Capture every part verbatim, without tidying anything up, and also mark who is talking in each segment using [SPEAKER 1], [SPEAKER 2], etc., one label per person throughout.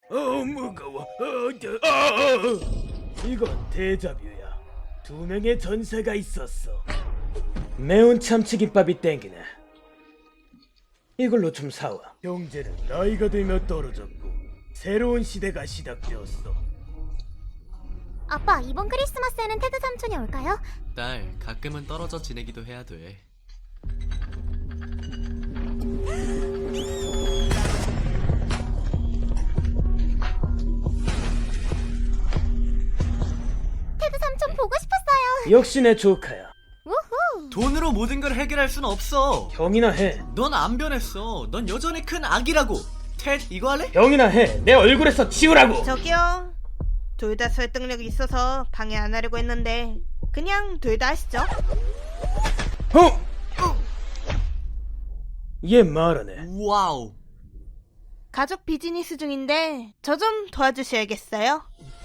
[SPEAKER 1] 어 무거워. 어, 저, 어. 이건 데자뷰야. 두 명의 전사가 있었어. 매운 참치김밥이 땡기네. 이걸로 좀 사와. 형제는 나이가 들며 떨어졌고 새로운 시대가 시작되었어.
[SPEAKER 2] 아빠, 이번 크리스마스에는 테드 삼촌이 올까요?
[SPEAKER 3] 딸, 가끔은 떨어져 지내기도 해야 돼.
[SPEAKER 2] 테드 삼촌 보고 싶었어요.
[SPEAKER 1] 역시 내 조카야.
[SPEAKER 2] 우후.
[SPEAKER 3] 돈으로 모든 걸 해결할 순 없어.
[SPEAKER 1] 형이나 해.
[SPEAKER 3] 넌 안 변했어. 넌 여전히 큰 악이라고. 텟, 이거 할래?
[SPEAKER 1] 형이나 해. 내 얼굴에서 치우라고.
[SPEAKER 4] 저기요. 둘 다 설득력이 있어서 방해 안 하려고 했는데 그냥 둘 다 하시죠.
[SPEAKER 1] 어? 얘 말하네.
[SPEAKER 3] 와우.
[SPEAKER 4] 가족 비즈니스 중인데 저 좀 도와주셔야겠어요.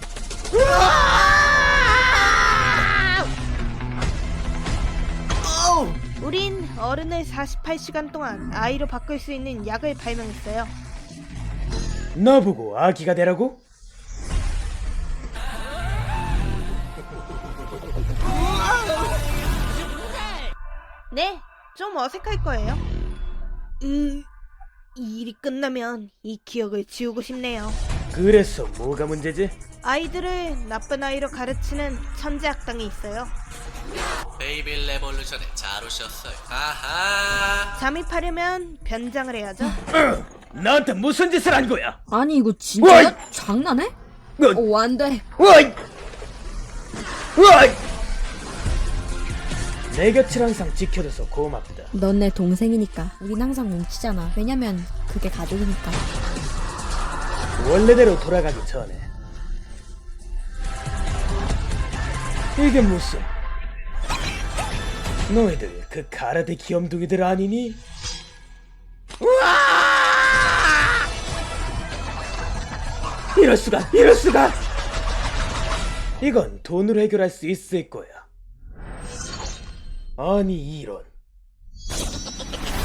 [SPEAKER 3] 어우!
[SPEAKER 4] 우린 어른을 사십팔 시간 동안 아이로 바꿀 수 있는 약을 발명했어요.
[SPEAKER 1] 나보고 아기가 되라고?
[SPEAKER 4] 네, 좀 어색할 거예요. 음, 이 일이 끝나면 이 기억을 지우고 싶네요.
[SPEAKER 1] 그래서 뭐가 문제지?
[SPEAKER 4] 아이들을 나쁜 아이로 가르치는 천재 악당이 있어요.
[SPEAKER 3] 베이비 레볼루션에 잘 오셨어요. 아하.
[SPEAKER 4] 잠입하려면 변장을 해야죠.
[SPEAKER 1] 나한테 무슨 짓을 한 거야?
[SPEAKER 5] 아니 이거 진짜야?
[SPEAKER 1] 어이!
[SPEAKER 5] 장난해?
[SPEAKER 1] 어,
[SPEAKER 5] 오 안돼.
[SPEAKER 1] 어이! 어이! 내 곁을 항상 지켜줘서 고맙다.
[SPEAKER 5] 넌 내 동생이니까 우린 항상 뭉치잖아. 왜냐면 그게 가족이니까.
[SPEAKER 1] 원래대로 돌아가기 전에. 이게 무슨? 너희들 그 가라데 귀염둥이들 아니니? 우와! 이럴 수가, 이럴 수가! 이건 돈으로 해결할 수 있을 거야. 아니 이런.